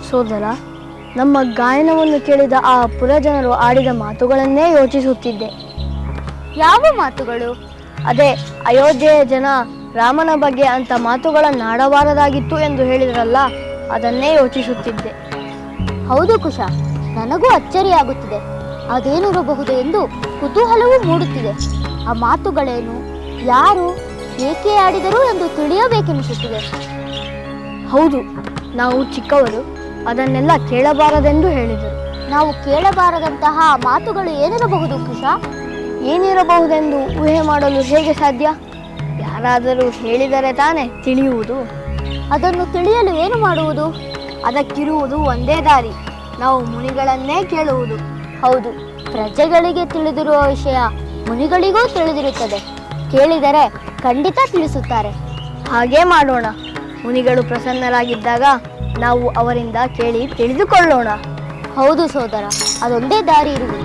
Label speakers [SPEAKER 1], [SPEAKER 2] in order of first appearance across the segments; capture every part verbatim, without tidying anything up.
[SPEAKER 1] ಸೋದರ, ನಮ್ಮ ಗಾಯನವನ್ನು ಕೇಳಿದ ಆ ಪುರಜನರು ಆಡಿದ ಮಾತುಗಳನ್ನೇ ಯೋಚಿಸುತ್ತಿದ್ದೆ.
[SPEAKER 2] ಯಾವ ಮಾತುಗಳು?
[SPEAKER 1] ಅದೇ ಅಯೋಧ್ಯೆಯ ಜನ ರಾಮನ ಬಗ್ಗೆ ಅಂತ ಮಾತುಗಳನ್ನಾಡಬಾರದಾಗಿತ್ತು ಎಂದು ಹೇಳಿದ್ರಲ್ಲ, ಅದನ್ನೇ ಯೋಚಿಸುತ್ತಿದ್ದೆ.
[SPEAKER 2] ಹೌದು ಕುಶ, ನನಗೂ ಅಚ್ಚರಿಯಾಗುತ್ತಿದೆ. ಅದೇನಿರಬಹುದು ಎಂದು ಕುತೂಹಲವೂ ಮೂಡುತ್ತಿದೆ. ಆ ಮಾತುಗಳೇನು, ಯಾರು, ಏಕೆ ಆಡಿದರು ಎಂದು ತಿಳಿಯಬೇಕೆನಿಸುತ್ತಿದೆ.
[SPEAKER 1] ಹೌದು, ನಾವು ಚಿಕ್ಕವರು, ಅದನ್ನೆಲ್ಲ ಕೇಳಬಾರದೆಂದು ಹೇಳಿದರು.
[SPEAKER 2] ನಾವು ಕೇಳಬಾರದಂತಹ ಮಾತುಗಳು ಏನಿರಬಹುದು ಕುಶ?
[SPEAKER 1] ಏನಿರಬಹುದೆಂದು ಊಹೆ ಮಾಡಲು ಹೇಗೆ ಸಾಧ್ಯ? ಯಾರಾದರೂ ಹೇಳಿದರೆ ತಾನೇ ತಿಳಿಯುವುದು.
[SPEAKER 2] ಅದನ್ನು ತಿಳಿಯಲು ಏನು ಮಾಡುವುದು?
[SPEAKER 1] ಅದಕ್ಕಿರುವುದು ಒಂದೇ ದಾರಿ, ನಾವು ಮುನಿಗಳನ್ನೇ ಕೇಳುವುದು.
[SPEAKER 2] ಹೌದು, ಪ್ರಜೆಗಳಿಗೆ ತಿಳಿದಿರುವ ವಿಷಯ ಮುನಿಗಳಿಗೂ ತಿಳಿದಿರುತ್ತದೆ. ಕೇಳಿದರೆ ಖಂಡಿತ ತಿಳಿಸುತ್ತಾರೆ.
[SPEAKER 1] ಹಾಗೇ ಮಾಡೋಣ. ಮುನಿಗಳು ಪ್ರಸನ್ನರಾಗಿದ್ದಾಗ ನಾವು ಅವರಿಂದ ಕೇಳಿ ತಿಳಿದುಕೊಳ್ಳೋಣ.
[SPEAKER 2] ಹೌದು ಸೋದರ, ಅದೊಂದೇ ದಾರಿ ಇರುವುದು.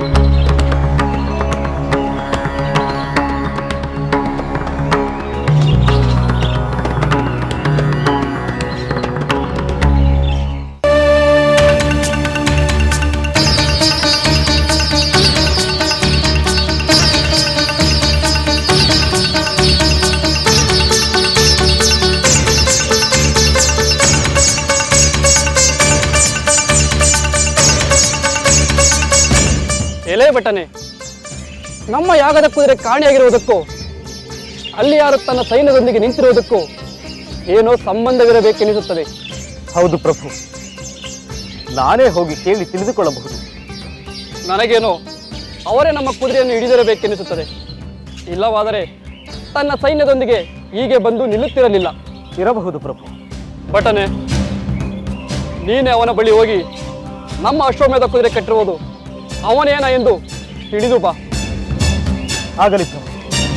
[SPEAKER 3] ಎಲೆ ಬಟನೆ, ನಮ್ಮ ಯಾಗದ ಕುದುರೆ ಕಾಣಿಯಾಗಿರುವುದಕ್ಕೂ ಅಲ್ಲಿ ಯಾರು ತನ್ನ ಸೈನ್ಯದೊಂದಿಗೆ ನಿಂತಿರುವುದಕ್ಕೂ ಏನೋ ಸಂಬಂಧವಿರಬೇಕೆನಿಸುತ್ತದೆ.
[SPEAKER 4] ಹೌದು ಪ್ರಭು, ನಾನೇ ಹೋಗಿ ಕೇಳಿ ತಿಳಿದುಕೊಳ್ಳಬಹುದು.
[SPEAKER 3] ನನಗೇನೋ ಅವರೇ ನಮ್ಮ ಕುದುರೆಯನ್ನು ಹಿಡಿದಿರಬೇಕೆನಿಸುತ್ತದೆ. ಇಲ್ಲವಾದರೆ ತನ್ನ ಸೈನ್ಯದೊಂದಿಗೆ ಹೀಗೆ ಬಂದು ನಿಲ್ಲುತ್ತಿರಲಿಲ್ಲ.
[SPEAKER 4] ಇರಬಹುದು ಪ್ರಭು.
[SPEAKER 3] ಬಟನೆ, ನೀನೇ ಅವನ ಬಳಿ ಹೋಗಿ ನಮ್ಮ ಅಶ್ವಮೇಧ ಕುದುರೆ ಕಟ್ಟಿರುವುದು ಅವನೇನ ಎಂದು ತಿಳಿದು ಬಾ.
[SPEAKER 4] ಆಗಲಿ ಪ್ರಭು.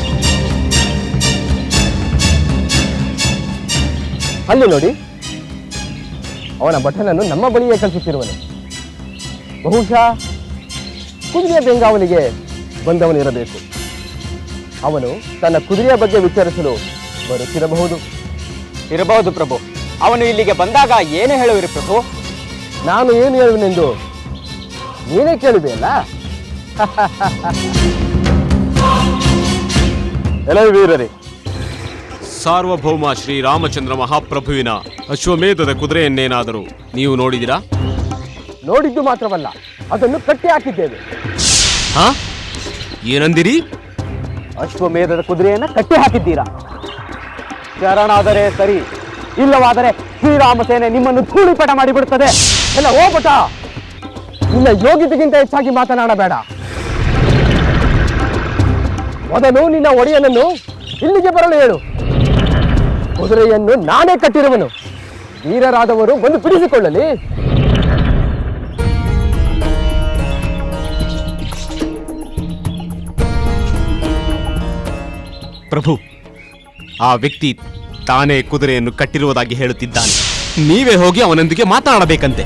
[SPEAKER 4] ಅಲ್ಲಿ ನೋಡಿ, ಅವನ ಭಟನನ್ನು ನಮ್ಮ ಬಳಿಯೇ ಕಳಿಸುತ್ತಿರುವನು. ಬಹುಶಃ ಕುದುರೆಯ ಬೆಂಗಾವಲಿಗೆ ಬಂದವನಿರಬೇಕು. ಅವನು ತನ್ನ ಕುದುರೆಯ ಬಗ್ಗೆ ವಿಚಾರಿಸಲು ಬರುತ್ತಿರಬಹುದು.
[SPEAKER 5] ಇರಬಹುದು ಪ್ರಭು. ಅವನು ಇಲ್ಲಿಗೆ ಬಂದಾಗ ಏನು ಹೇಳುವಿರಿ ಪ್ರಭು?
[SPEAKER 4] ನಾನು ಏನು ಹೇಳುವೆನೆಂದು ನೀನೇ ಕೇಳಿದೆಯಲ್ಲ. ಎಲ್ಲ ವೀರರೇ,
[SPEAKER 6] ಸಾರ್ವಭೌಮ ಶ್ರೀರಾಮಚಂದ್ರ ಮಹಾಪ್ರಭುವಿನ ಅಶ್ವಮೇಧದ ಕುದುರೆಯನ್ನೇನಾದರೂ ನೀವು ನೋಡಿದಿರಾ?
[SPEAKER 4] ನೋಡಿದ್ದು ಮಾತ್ರವಲ್ಲ, ಅದನ್ನು ಕಟ್ಟಿ ಹಾಕಿದ್ದೇವೆ.
[SPEAKER 6] ಹಾ, ಏನಂದಿರಿ?
[SPEAKER 4] ಅಶ್ವಮೇಧದ ಕುದುರೆಯನ್ನ ಕಟ್ಟಿ ಹಾಕಿದ್ದೀರಾ? ಶರಣಾದರೆ ಸರಿ, ಇಲ್ಲವಾದರೆ ಶ್ರೀರಾಮ ಸೇನೆ ನಿಮ್ಮನ್ನು ಧೂಳಿಪಟ ಮಾಡಿಬಿಡುತ್ತದೆ. ಎಲ್ಲ ಹೋಗ್ಬಿಟ. ನಿನ್ನ ಯೋಗ್ಯತೆಗಿಂತ ಹೆಚ್ಚಾಗಿ ಮಾತನಾಡಬೇಡ. ಮೊದಲು ನಿನ್ನ ಒಡೆಯನನ್ನು ಇಲ್ಲಿಗೆ ಬರಲು ಹೇಳು. ಕುದುರೆಯನ್ನು ನಾನೇ ಕಟ್ಟಿರುವನು. ವೀರರಾದವರು ಬಂದು ಬಿಡಿಸಿಕೊಳ್ಳಲಿ.
[SPEAKER 6] ಪ್ರಭು, ಆ ವ್ಯಕ್ತಿ ತಾನೇ ಕುದುರೆಯನ್ನು ಕಟ್ಟಿರುವುದಾಗಿ ಹೇಳುತ್ತಿದ್ದಾನೆ. ನೀವೇ ಹೋಗಿ ಅವನೊಂದಿಗೆ ಮಾತನಾಡಬೇಕಂತೆ.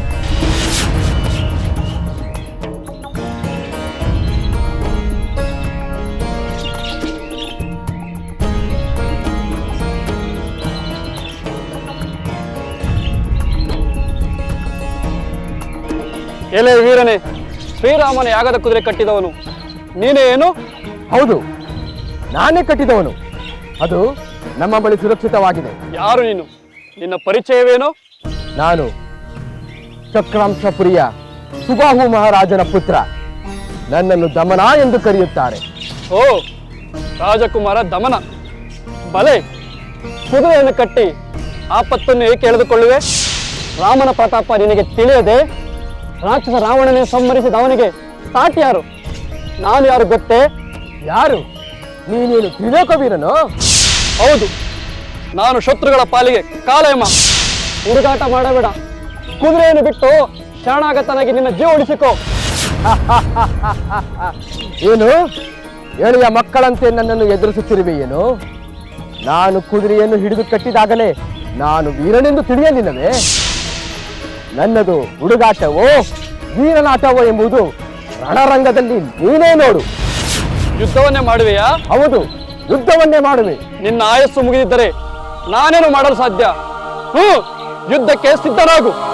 [SPEAKER 3] ಎಲೆ ವೀರನೇ, ಶ್ರೀರಾಮನ ಯಾಗದ ಕುದುರೆ ಕಟ್ಟಿದವನು ನೀನೇ ಏನು?
[SPEAKER 4] ಹೌದು, ನಾನೇ ಕಟ್ಟಿದವನು. ಅದು ನಮ್ಮ ಬಳಿ ಸುರಕ್ಷಿತವಾಗಿದೆ.
[SPEAKER 3] ಯಾರು ನೀನು? ನಿನ್ನ ಪರಿಚಯವೇನು?
[SPEAKER 4] ನಾನು ಚಕ್ರಾಂಶಪುರಿಯ ಸುಬಾಹು ಮಹಾರಾಜನ ಪುತ್ರ. ನನ್ನನ್ನು ದಮನ ಎಂದು ಕರೆಯುತ್ತಾರೆ.
[SPEAKER 3] ಓ, ರಾಜಕುಮಾರ ದಮನ. ಬಲೆ, ಕುದುರೆಯನ್ನು ಕಟ್ಟಿ ಆಪತ್ತನ್ನು ಏಕೆ ಎಳೆದುಕೊಳ್ಳುವೆ? ರಾಮನ ಪ್ರತಾಪ ನಿನಗೆ ತಿಳಿಯದೆ ರಾಕ್ಷಸ ರಾವಣನೇ ಸಂಹರಿಸಿದ ಅವನಿಗೆ ಸಾಟಿ ಯಾರು? ನಾನು ಯಾರು ಗೊತ್ತೇ?
[SPEAKER 4] ಯಾರು? ನೀನೇನು ತ್ರಿಲೋಕವೀರನು?
[SPEAKER 3] ಹೌದು, ನಾನು ಶತ್ರುಗಳ ಪಾಲಿಗೆ ಕಾಲಯಮ. ಹುಡುಗಾಟ ಮಾಡಬೇಡ. ಕುದುರೆಯನ್ನು ಬಿಟ್ಟು ಶರಣಾಗತನಾಗಿ ನಿನ್ನ ಜೀವ ಉಳಿಸಿಕೋ.
[SPEAKER 4] ಏನು ಎಳೆಯ ಮಕ್ಕಳಂತೆ ನನ್ನನ್ನು ಎದುರಿಸುತ್ತಿರುವೆ ಏನು? ನಾನು ಕುದುರೆಯನ್ನು ಹಿಡಿದು ಕಟ್ಟಿದಾಗಲೇ ನಾನು ವೀರನೆಂದು ತಿಳಿಯಲಿಲ್ಲವೇ? ನನ್ನದು ಹುಡುಗಾಟವೋ ವೀರನಾಟವೋ ಎಂಬುದು ರಣರಂಗದಲ್ಲಿ ನೀನೇ ನೋಡು.
[SPEAKER 3] ಯುದ್ಧವನ್ನೇ ಮಾಡುವೆಯಾ?
[SPEAKER 4] ಹೌದು, ಯುದ್ಧವನ್ನೇ ಮಾಡುವೆ.
[SPEAKER 3] ನಿನ್ನ ಆಯಸ್ಸು ಮುಗಿದಿದ್ದರೆ ನಾನೇನು ಮಾಡಲು ಸಾಧ್ಯ? ಹ್ಮ್, ಯುದ್ಧಕ್ಕೆ ಸಿದ್ಧನಾಗು.